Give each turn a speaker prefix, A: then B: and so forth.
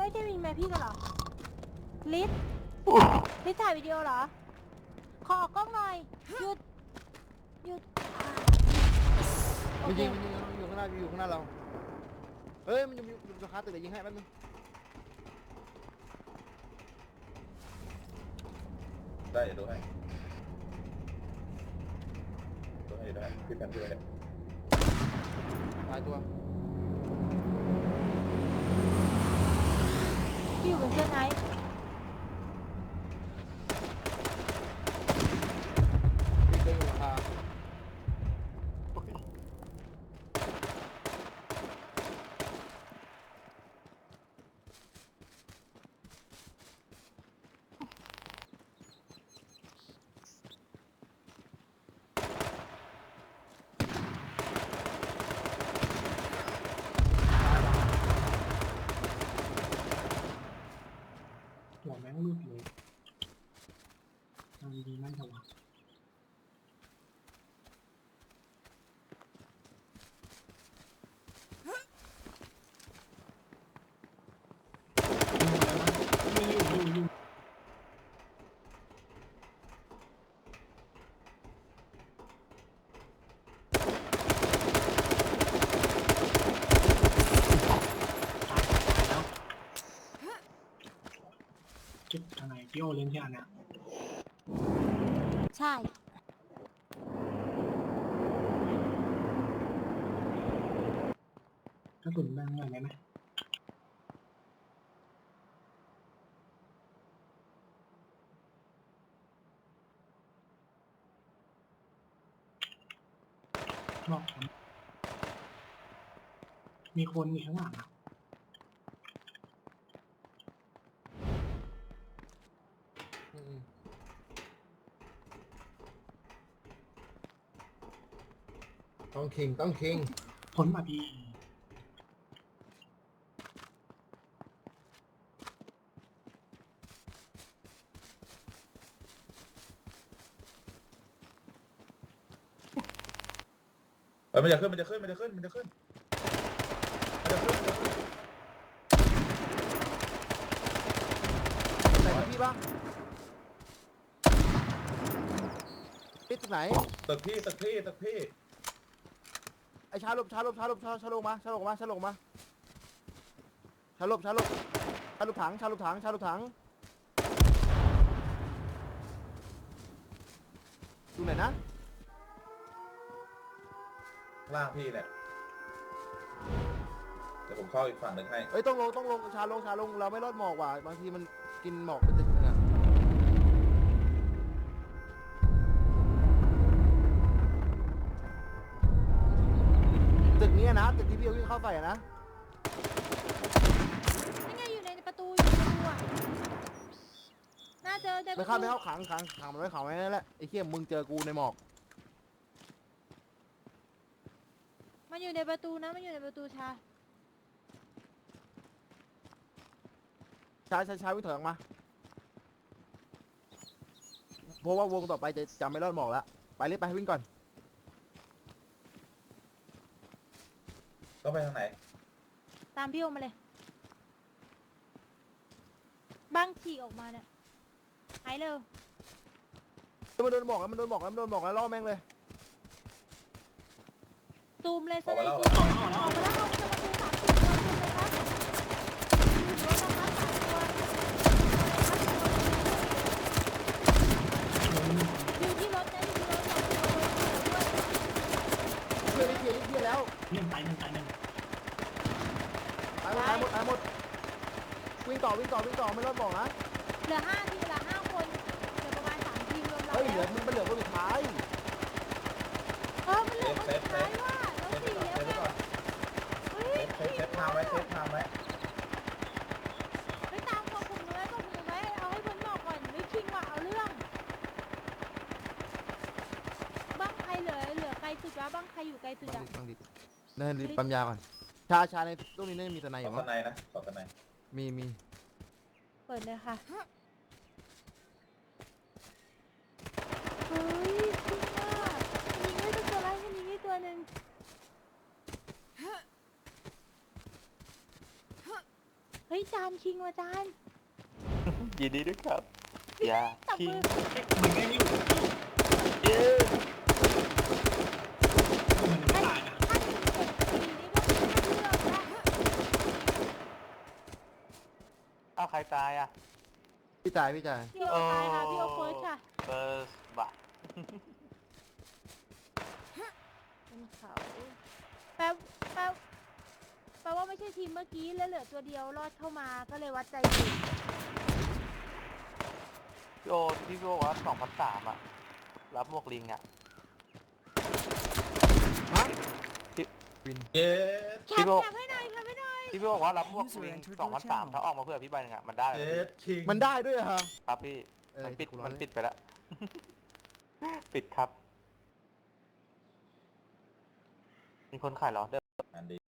A: ไม่ได้มีแม่พี่กันเหรอลิศถ่ายวิดีโอเหรอขอออกกล้องหน่อยหยุดโอ
B: มัน
A: เค
B: ยิงอยู่ข้างหน้าอยู่ข้างหน้าเราเฮ้ยมันอยู่สะพานตึกเดี๋ยวยิงให้แป๊บนึง
C: ได้เดี๋ยวดูให้พี่แพนด้วย
B: ตายตัว
A: พี่อยู่บนเสื้อไหน
B: พี่เดินอยู่ราคา
D: หัวแม่งรูดเลยทำดีไม่ถวายอยู่จุดทางไหนพี่โอเล่นที่อันเนี้ย
A: ใช่
D: ถ้าตุ่นแม่งหน่อยได้ไหมบอกผมมีคนอยู่ข้างหลังอ่ะ
C: ต้องคิง
D: พ้นมาพี่
C: มันจะขึ้นใส่
B: พี่บ้างพี่ตึกไหน
C: ตึกพี่
B: ไอ้ชาลบมาชาลบถังชาลบถังดูไหนนะ
C: ล่างพี่เนี่ยเดี๋ยวผมเข้าอีกฝั่งหนึ่งให้
B: เอ้ยต้องลงชาลงเราไม่รอดหมอกว่ะบางทีมันกินหมอกเป็นตึกนึงอะตึกนี้นะตึกที่พี่เอาวิ่งเข้าใส่อะนะ
A: นี่ไงอยู่ในประตูอ่ะน่าเจอในป
B: ไม่
A: ระ
B: เข้า
A: ตู
B: ขังมันไว้ขังไว้นั่นแหละไอ้เขี้ยมึงเจอกูในหมอก
A: มันอยู่ในประตูนะมันอยู่ในประตูชา
B: ชาวิ่งถอยออกมาเพราะว่าวงต่อไปจะจำไม่รอดหมอกแล้วไปรีบไปวิ่งก่อน
C: ต้องไปทางไหน
A: ตามพี่โอมาเลยบ้างฉีกออกมาเนี่ยหายเร็ว
B: มันโดนหมอกแล้วล่อแม่งเลย
A: ตูมเลย
C: ออกมาแล้ว
A: ออกมาแล้วเอาประตู3 4 ตัวเลยครับอยู่รถนะครับอยู่ที่รถนะอยู่ที่รถ2 ตัวด้วย
B: เพื่อนแล้ว
D: หนึ่งตายหนึ่ง
B: ตายหมดวิ่งต่อไม่รอดหมอกนะ
A: เหลือ5 ทีมเหลือ5 คนเหลือประมาณ3 ทีมรวมเรา
B: เฮ้ยเหลื
A: แล้
B: อ
A: ว
B: มันเหลือคนสุดท้าย
A: มันเหลือคนสุดท้ายว่ะแล้ว4แล้วไงเฮ้ย
C: เซฟทางไว้
A: ไปตามกลุ่มหนูไว้เอาให้พ้นหมอกก่อนไม่คิงว่ะเอาเรื่องบ้างใครเหลือไกลสุดวะบ้างใครอยู่ไกลสุดอะ
B: บังดิเดินรีบปั๊มยาก่อนชาในตู้นี้มีทนายอ
C: ขอยู่
B: มั้
C: ข้างในนะขอข้างใน
B: มี
A: เปิดเลยค่ะเฮ้ยจริงอ่ะยิงให้ตัวไรให้ยิงให้ตัวหนึ่งเฮ้ยจานคิงว่ะจาน
E: ยินดีด้วยครับ อย่า
A: จับ
E: คิง
A: มือ
D: มันไม่อยู่
E: เย้
D: มันไม่ตายนะ
A: ถ้าถึง7 ปีนี่ก็ไม่เลือกละ
E: อ้าวใครตายอ่ะ
B: พี่จ่าย
A: พี่โอตายค่ะพี่โอเฟิร์สค่ะ
E: เฟิร์สบัต
A: เป็นเขาแปลแปลแปลว่าไม่ใช่ทีมเมื่อกี้แล้วเหลือตัวเดียวรอดเข้ามาก็เลยวัดใจอยู่
E: พี่โอที่พี่โอว่า2003อ่ะ รับหมวกลิงอ่ะ
B: ฮะ
C: เย้
A: แคปแคปให้หน่อยแคปให้หน่อย
E: ที่พี่บอกว่ารับหมวกลิง2003ถ้าออกมาเพื่อพี่ใบหนึงอ่ะมันได้
C: เย้คิง
B: มันได้ด้วยเหรอ
E: ครับพี่ มันปิด
B: กูรอ
E: มัน
B: เลย
E: ปิดไปแล้ว ปิดครับ มีคนขายเหรอ
C: อันดี